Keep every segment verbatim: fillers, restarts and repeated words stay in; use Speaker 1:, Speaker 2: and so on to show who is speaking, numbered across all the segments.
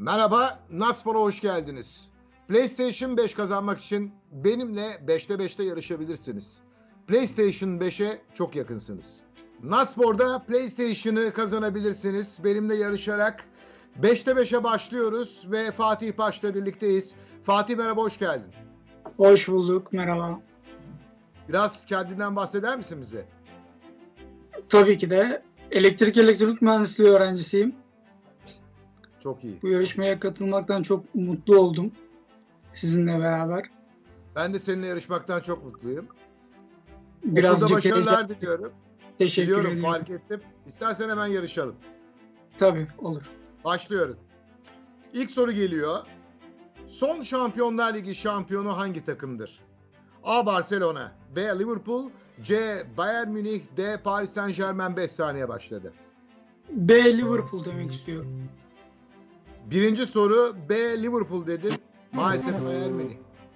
Speaker 1: Merhaba, Natspor'a hoş geldiniz. PlayStation beş kazanmak için benimle beşte beşte yarışabilirsiniz. PlayStation beşe çok yakınsınız. Natspor'da PlayStation'ı kazanabilirsiniz. Benimle yarışarak beşte beşe başlıyoruz ve Fatih Paş'la birlikteyiz. Fatih merhaba, hoş geldin.
Speaker 2: Hoş bulduk, merhaba.
Speaker 1: Biraz kendinden bahseder misin bize?
Speaker 2: Tabii ki de elektrik elektronik mühendisliği öğrencisiyim.
Speaker 1: Çok iyi.
Speaker 2: Bu yarışmaya katılmaktan çok mutlu oldum sizinle beraber.
Speaker 1: Ben de seninle yarışmaktan çok mutluyum.
Speaker 2: Birazcık
Speaker 1: Okulda başarılar
Speaker 2: heyecan-
Speaker 1: diliyorum.
Speaker 2: Teşekkür
Speaker 1: Biliyorum,
Speaker 2: ederim.
Speaker 1: fark ettim. İstersen hemen yarışalım.
Speaker 2: Tabii, olur.
Speaker 1: Başlıyoruz. İlk soru geliyor. Son Şampiyonlar Ligi şampiyonu hangi takımdır? A. Barcelona, B. Liverpool, C. Bayern Münih, D. Paris Saint-Germain. beş saniye başladı.
Speaker 2: B. Liverpool demek istiyorum.
Speaker 1: Birinci soru B. Liverpool dedin. Maalesef Bayern Münih.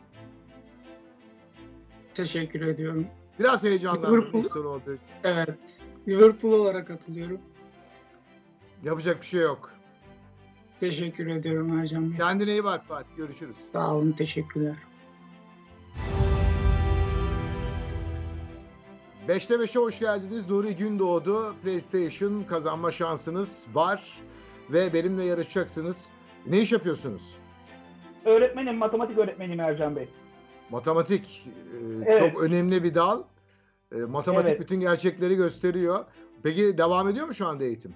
Speaker 2: Teşekkür ediyorum.
Speaker 1: Biraz heyecanlandım
Speaker 2: Liverpool.
Speaker 1: ilk soru olduğu için.
Speaker 2: Evet, Liverpool olarak katılıyorum.
Speaker 1: Yapacak bir şey yok.
Speaker 2: Teşekkür ediyorum Ercan Bey.
Speaker 1: Kendine iyi bak Fatih. Görüşürüz.
Speaker 2: Sağ olun, teşekkürler.
Speaker 1: beşte beşe hoş geldiniz. Nuri Gündoğdu. PlayStation kazanma şansınız var. Ve benimle yarışacaksınız. Ne iş yapıyorsunuz?
Speaker 3: Öğretmenim, matematik öğretmeniyim Ercan Bey.
Speaker 1: Matematik e,
Speaker 3: Evet.
Speaker 1: çok önemli bir dal. E, matematik
Speaker 3: Evet.
Speaker 1: bütün gerçekleri gösteriyor. Peki devam ediyor mu şu anda eğitim?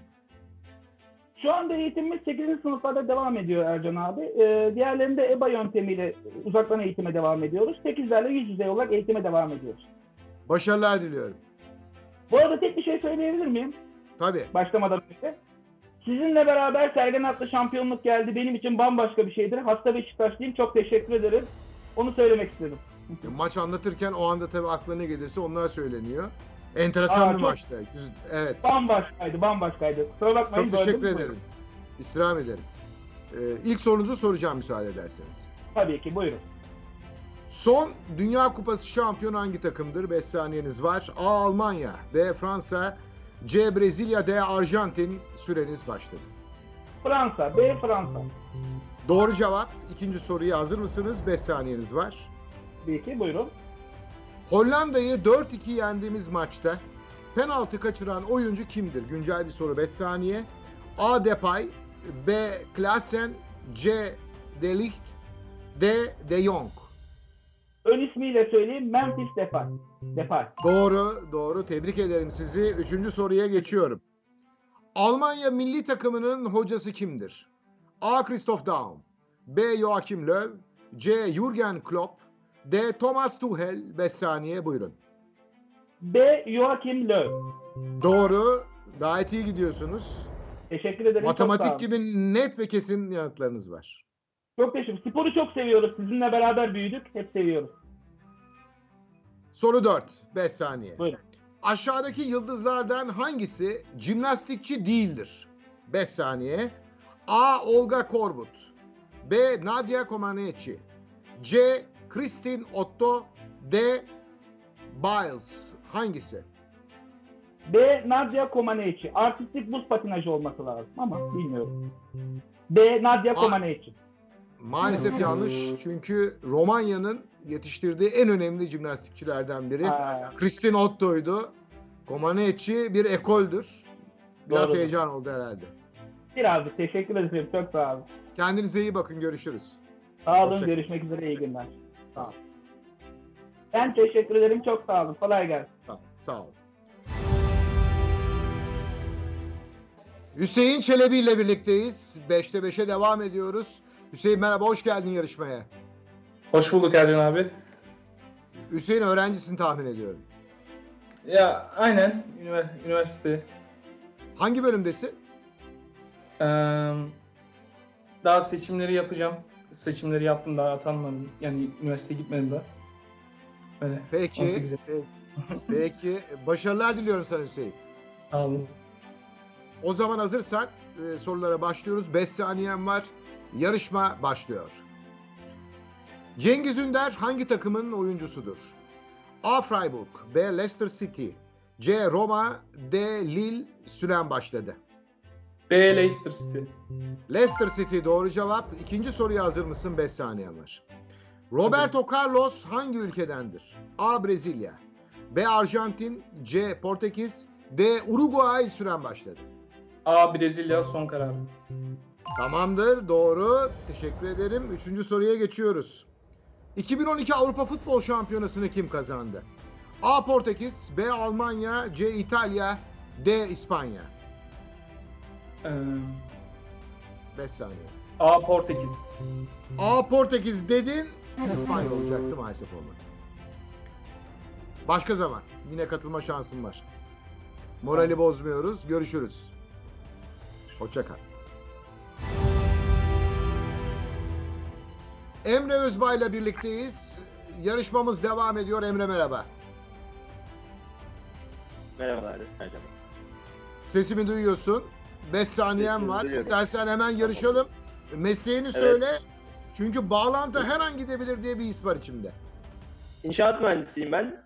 Speaker 3: Şu anda eğitimimiz sekizinci sınıflarda devam ediyor Ercan abi. Ee, diğerlerinde E B A yöntemiyle uzaktan eğitime devam ediyoruz. sekizlerle yüz yüze olarak eğitime devam ediyoruz.
Speaker 1: Başarılar diliyorum.
Speaker 3: Bu arada tek bir şey söyleyebilir miyim?
Speaker 1: Tabii.
Speaker 3: Başlamadan önce. Sizinle beraber Sergen Atlı şampiyonluk geldi. Benim için bambaşka bir şeydir. Hasta Beşiktaşlıyım. Çok teşekkür ederim. Onu söylemek istedim.
Speaker 1: Maç anlatırken o anda tabii aklına gelirse onlar söyleniyor. Enteresan
Speaker 3: Aa,
Speaker 1: bir
Speaker 3: çok-
Speaker 1: maçtı. Güz- Evet.
Speaker 3: Bambaşkaydı, bambaşkaydı. Kusura bakmayın.
Speaker 1: Çok
Speaker 3: böldüm.
Speaker 1: teşekkür
Speaker 3: Buyurun.
Speaker 1: ederim. İstirham ederim. Ee, ilk sorunuzu soracağım müsaade ederseniz.
Speaker 3: Tabii ki, buyurun.
Speaker 1: Son Dünya Kupası şampiyonu hangi takımdır? beş saniyeniz var. A. Almanya, B. Fransa, C. Brezilya, D. Arjantin. Süreniz başladı.
Speaker 3: Fransa, B Fransa.
Speaker 1: Doğru cevap. İkinci soruya hazır mısınız? beş saniyeniz var.
Speaker 3: Tabii ki, buyurun.
Speaker 1: Hollanda'yı dört iki yendiğimiz maçta penaltı kaçıran oyuncu kimdir? Güncel bir soru, beş saniye. A. Depay, B. Klaassen, C. De Ligt, D. De Jong.
Speaker 3: Ön ismiyle söyleyeyim, Memphis Depay. Depay.
Speaker 1: Doğru, doğru. Tebrik ederim sizi. Üçüncü soruya geçiyorum. Almanya milli takımının hocası kimdir? A. Christoph Daum, B. Joachim Löw, C. Jürgen Klopp, D. Thomas Tuchel. beş saniye buyurun.
Speaker 3: B. Joachim Löw.
Speaker 1: Doğru. Gayet iyi gidiyorsunuz.
Speaker 3: Teşekkür ederim. çok sağ
Speaker 1: Matematik
Speaker 3: olun.
Speaker 1: gibi net ve kesin yanıtlarınız var.
Speaker 3: Çok teşekkür. Sporu çok seviyoruz. Sizinle beraber büyüdük. Hep seviyoruz.
Speaker 1: Soru dört. beş saniye.
Speaker 3: Buyurun.
Speaker 1: Aşağıdaki yıldızlardan hangisi jimnastikçi değildir? beş saniye. A. Olga Korbut, B. Nadia Comaneci, C. Kristin Otto, D. Biles. Hangisi?
Speaker 3: B. Nadia Comaneci. Artistik buz patinajı olması lazım ama bilmiyorum. B. Nadia
Speaker 1: A-
Speaker 3: Comaneci.
Speaker 1: Maalesef yanlış. Çünkü Romanya'nın yetiştirdiği en önemli jimnastikçilerden biri.
Speaker 3: Ha,
Speaker 1: Kristin Otto'ydu. Comaneci bir ekoldür. Biraz
Speaker 3: Doğrudur.
Speaker 1: heyecan oldu herhalde.
Speaker 3: birazcık teşekkür ederim. Çok sağ olun.
Speaker 1: Kendinize iyi bakın. Görüşürüz.
Speaker 3: Sağ olun.
Speaker 1: Hoşça-
Speaker 3: Görüşmek üzere. İyi günler.
Speaker 1: Sağ ol.
Speaker 3: Ben teşekkür ederim. Çok sağ olun. Kolay gelsin.
Speaker 1: Sağ, sağ ol. Hüseyin Çelebi ile birlikteyiz. beşte beşe devam ediyoruz. Hüseyin merhaba, hoş geldin yarışmaya.
Speaker 4: Hoş bulduk Ercan abi.
Speaker 1: Hüseyin öğrencisin tahmin ediyorum.
Speaker 4: Ya aynen ünivers- üniversite.
Speaker 1: Hangi bölümdesin?
Speaker 4: Ee, daha seçimleri yapacağım. Seçimleri yaptım, daha atanmadım. Yani üniversiteye gitmedim daha. Öyle.
Speaker 1: Peki.
Speaker 4: on sekize.
Speaker 1: Peki. Peki. Başarılar diliyorum sana Hüseyin.
Speaker 4: Sağ olun.
Speaker 1: O zaman hazırsak e, sorulara başlıyoruz. beş saniyen var. Yarışma başlıyor. Cengiz Ünder hangi takımın oyuncusudur? A. Freiburg, B. Leicester City, C. Roma, D. Lille. Süren başladı.
Speaker 4: B. Leicester City.
Speaker 1: Leicester City doğru cevap. İkinci soruya hazır mısın? beş saniyen var. Roberto Carlos hangi ülkedendir? A. Brezilya, B. Arjantin, C. Portekiz, D. Uruguay. Süren başladı.
Speaker 4: A. Brezilya son kararım.
Speaker 1: Tamamdır, doğru. Teşekkür ederim. Üçüncü soruya geçiyoruz. iki bin on iki Avrupa Futbol Şampiyonası'nı kim kazandı? A. Portekiz, B. Almanya, C. İtalya, D. İspanya.
Speaker 4: Ee,
Speaker 1: beş saniye.
Speaker 4: A. Portekiz.
Speaker 1: A. Portekiz dedin. İspanya olacaktı, maalesef olmadı. Başka zaman. Yine katılma şansın var. Morali bozmuyoruz. Görüşürüz. Hoşça kal. Emre Özbay'la birlikteyiz. Yarışmamız devam ediyor. Emre merhaba.
Speaker 5: Merhabalar. Merhaba.
Speaker 1: Sesimi duyuyorsun. beş saniyen
Speaker 5: Sesini
Speaker 1: var.
Speaker 5: duyuyorum.
Speaker 1: İstersen hemen yarışalım. Mesleğini söyle. Çünkü bağlantı her an gidebilir diye bir his var içimde.
Speaker 5: İnşaat mühendisiyim ben.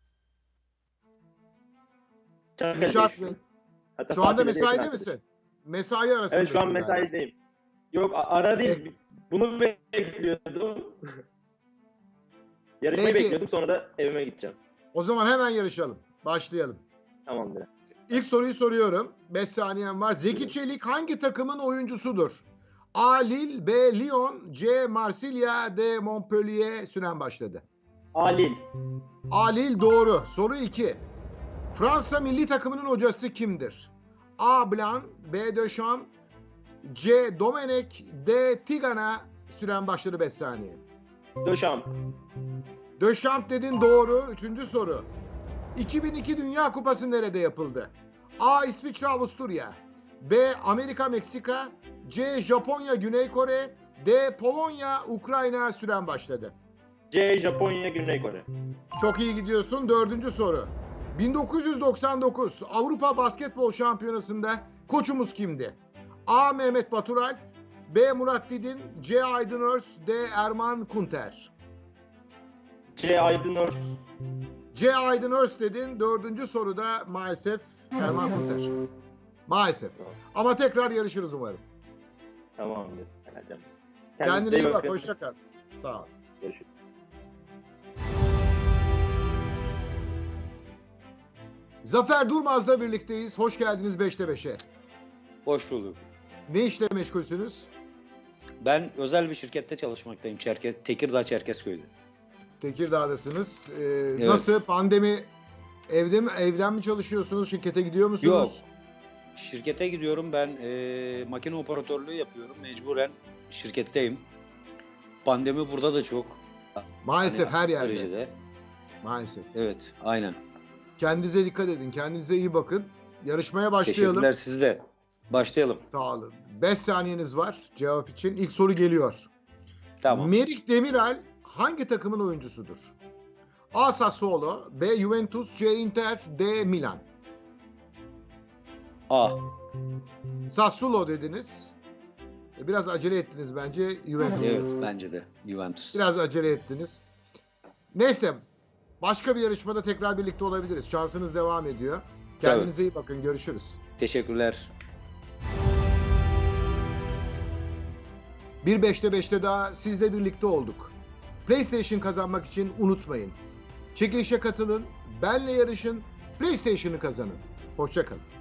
Speaker 5: Çanakkale'de
Speaker 1: İnşaat
Speaker 5: yaşıyorum.
Speaker 1: mı?
Speaker 5: Hatta
Speaker 1: Şu anda
Speaker 5: Fatih'te de
Speaker 1: mesaide
Speaker 5: yakın
Speaker 1: misin? Mesai arasındasın.
Speaker 5: Evet, şu an
Speaker 1: galiba.
Speaker 5: mesaideyim. Yok, a- ara değil. Bunu bekliyordum. Yarışmayı
Speaker 1: Peki.
Speaker 5: bekliyordum, sonra da evime gideceğim.
Speaker 1: O zaman hemen yarışalım. Başlayalım.
Speaker 5: Tamamdır.
Speaker 1: İlk soruyu soruyorum. beş saniyen var. Zeki Çelik hangi takımın oyuncusudur? A. Lille, B. Lyon, C. Marsilya, D. Montpellier. Süren başladı.
Speaker 5: Alil.
Speaker 1: A. Lille doğru. Soru iki. Fransa milli takımının hocası kimdir? A. Blanc, B. Deschamps, C. Domenech, D. Tigana. Süren başladı, beş saniye.
Speaker 5: Döşamp.
Speaker 1: Deschamps dedin, doğru. Üçüncü soru. iki bin iki Dünya Kupası nerede yapıldı? A. İsviçre, Avusturya, B. Amerika, Meksika, C. Japonya, Güney Kore, D. Polonya, Ukrayna. Süren başladı.
Speaker 5: C. Japonya, Güney Kore.
Speaker 1: Çok iyi gidiyorsun. Dördüncü soru. bin dokuz yüz doksan dokuz Avrupa Basketbol Şampiyonası'nda koçumuz kimdi? A. Mehmet Batural, B. Murat Didin, C. Aydın Örs, D. Erman Kunter.
Speaker 5: C. Aydınor.
Speaker 1: C. Aydın Örs dedin. Dördüncü soruda maalesef Erman Kunter. Maalesef. Ama tekrar yarışırız umarım.
Speaker 5: Tamamdır. Geleceğim.
Speaker 1: Kendine iyi bak.
Speaker 5: bakın.
Speaker 1: Hoşça kal. Sağ ol.
Speaker 5: Görüşürüz.
Speaker 1: Zafer Durmaz'la birlikteyiz. Hoş geldiniz beşte beşe.
Speaker 6: Hoş bulduk.
Speaker 1: Ne işle meşgulsünüz?
Speaker 6: Ben özel bir şirkette çalışmaktayım. Çerke, Tekirdağ Çerkezköy'de.
Speaker 1: Tekirdağ'dasınız. Ee, Nasıl? Pandemi evde mi, evden mi çalışıyorsunuz? Şirkete gidiyor musunuz?
Speaker 6: Yok. Şirkete gidiyorum. Ben e, makine operatörlüğü yapıyorum. Mecburen şirketteyim. Pandemi burada da çok.
Speaker 1: Maalesef
Speaker 6: Hani
Speaker 1: her yerde.
Speaker 6: derecede.
Speaker 1: Maalesef.
Speaker 6: Evet, aynen.
Speaker 1: Kendinize dikkat edin. Kendinize iyi bakın. Yarışmaya başlayalım.
Speaker 6: Teşekkürler siz de. Başlayalım.
Speaker 1: Sağ olun. beş saniyeniz var cevap için. İlk soru geliyor.
Speaker 6: Tamam.
Speaker 1: Merih Demiral hangi takımın oyuncusudur? A. Sassuolo, B. Juventus, C. Inter, D. Milan.
Speaker 6: A.
Speaker 1: Sassuolo dediniz. E, Biraz acele ettiniz bence. Juventus.
Speaker 6: Evet, bence de. Juventus.
Speaker 1: Biraz acele ettiniz. Neyse. Başka bir yarışmada tekrar birlikte olabiliriz. Şansınız devam ediyor. Kendinize iyi bakın. Görüşürüz.
Speaker 6: Teşekkürler.
Speaker 1: Bir beşte beşte daha sizle birlikte olduk. PlayStation kazanmak için unutmayın. Çekilişe katılın, benle yarışın, PlayStation'ı kazanın. Hoşça kalın.